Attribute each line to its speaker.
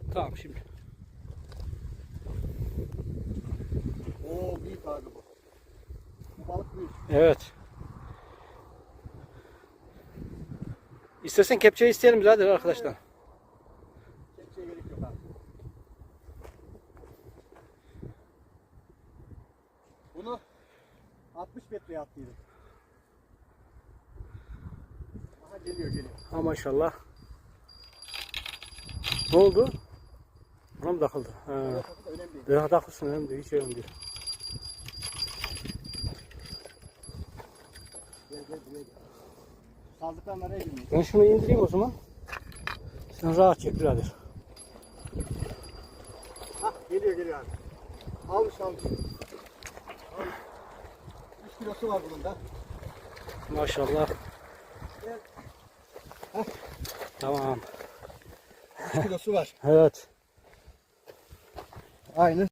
Speaker 1: Tamam şimdi.
Speaker 2: Oo büyük abi bu. Bu balık büyük.
Speaker 1: Evet. İstersen kepçeyi isteyelim zaten arkadaşlar.
Speaker 2: Kepçeye gerek yok abi. Bunu 60 metreye attıydım. Aha geliyor.
Speaker 1: Ha maşallah. Ne oldu? Buna mı takıldı? Ha.
Speaker 2: Önemli değil.
Speaker 1: Daha takılsın, önemli değil. Hiç önemli değil.
Speaker 2: Gel buraya gel. Sazlıklar nereye girmiyor?
Speaker 1: Ben şunu indireyim o zaman. Sen rahat çek birader.
Speaker 2: Hah geliyor abi. Almış. 3 kilosu var bunun da.
Speaker 1: Maşallah.
Speaker 2: Gel.
Speaker 1: Tamam.
Speaker 2: 3 kilosu var.
Speaker 1: Evet.
Speaker 2: Aynı.